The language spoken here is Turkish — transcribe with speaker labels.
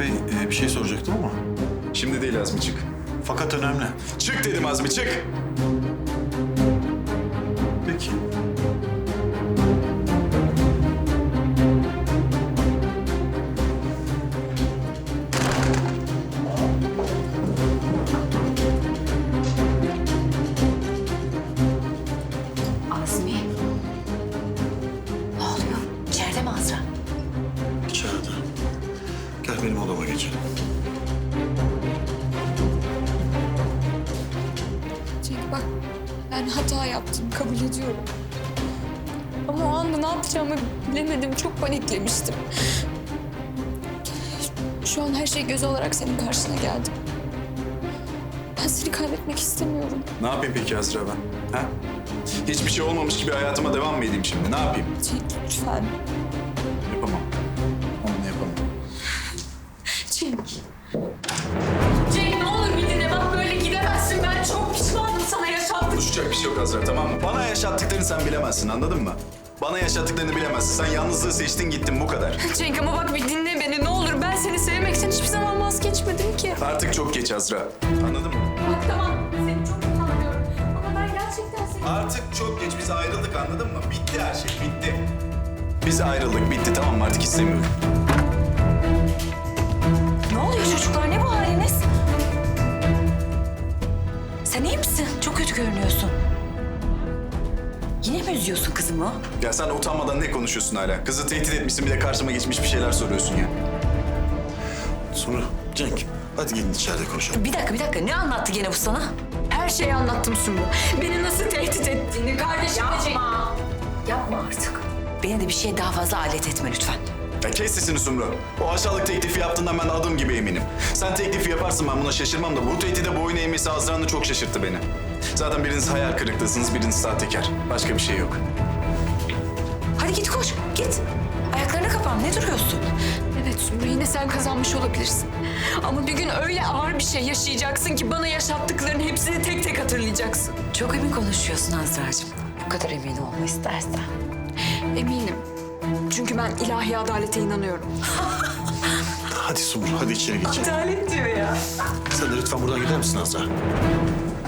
Speaker 1: Bey, bir şey soracaktım ama.
Speaker 2: Şimdi değil Azmi, çık.
Speaker 1: Fakat önemli.
Speaker 2: Çık dedim Azmi, çık.
Speaker 1: Peki.
Speaker 3: Azmi. Ne oluyor? İçeride mi Azra?
Speaker 1: İçeride. Gel benim odama geçelim.
Speaker 4: Cenk bak, ben hata yaptım, kabul ediyorum. Ama o anda ne yapacağımı bilemedim, çok paniklemiştim. Şu an her şey göz olarak senin karşına geldim. Ben seni kaybetmek istemiyorum.
Speaker 2: Ne yapayım peki Azra ben? Ha? Hiçbir şey olmamış gibi hayatıma devam mı edeyim şimdi? Ne yapayım?
Speaker 4: Cenk lütfen.
Speaker 2: Yapamam. Onu yapamam.
Speaker 4: Cenk. Cenk ne olur bir dinle, bak böyle gidemezsin. Ben çok pişmanım sana yaşattık.
Speaker 2: Konuşacak bir şey yok Azra, tamam mı? Bana yaşattıklarını sen bilemezsin, anladın mı? Bana yaşattıklarını bilemezsin. Sen yalnızlığı seçtin, gittin, bu kadar.
Speaker 4: Cenk ama bak bir dinle beni ne olur. Ben seni sevmekten hiçbir zaman vazgeçmedim ki.
Speaker 2: Artık çok geç Azra. Anladın mı?
Speaker 4: Bak tamam, seni çok utanıyorum. Ama ben gerçekten seni...
Speaker 2: Artık çok geç. Biz ayrıldık, anladın mı? Bitti her şey, bitti. Biz ayrıldık, bitti, tamam mı? Artık istemiyorum.
Speaker 3: Ne oluyor çocuklar? Ne bu haliniz? Sen iyi misin? Çok kötü görünüyorsun. Yine mi üzüyorsun kızımı?
Speaker 2: Ya sen utanmadan ne konuşuyorsun hala? Kızı tehdit etmişsin, bir de karşıma geçmiş bir şeyler soruyorsun ya.
Speaker 1: Sumru, Cenk, hadi gelin içeride konuşalım.
Speaker 3: Bir dakika. Ne anlattı gene bu sana?
Speaker 4: Her şeyi anlattım Sumru. Beni nasıl tehdit ettiğini, kardeşim
Speaker 3: Yapma. Yapma artık. Beni de bir şeye daha fazla alet etme lütfen.
Speaker 2: Ya kes sesini Sumru. O aşağılık teklifi yaptığından ben adım gibi eminim. Sen teklifi yaparsın, ben buna şaşırmam da bu tehdide boyun eğmesi Azra'nın çok şaşırttı beni. Zaten biriniz hayal kırıklığısınız, biriniz sahtekar. Başka bir şey yok.
Speaker 3: Hadi git koş, git. Ayaklarını kapan, ne duruyorsun?
Speaker 4: Evet Sumru, yine sen kazanmış olabilirsin. Ama bir gün öyle ağır bir şey yaşayacaksın ki bana yaşattıklarının hepsini tek tek hatırlayacaksın.
Speaker 3: Çok emin konuşuyorsun Azra'cığım. Bu kadar emin olma istersen.
Speaker 4: Eminim. Çünkü ben ilahi adalete inanıyorum.
Speaker 1: Hadi Sumru, hadi içeri geçelim.
Speaker 3: Adalet diyor ya.
Speaker 1: Sen de lütfen buradan gider misin Azra?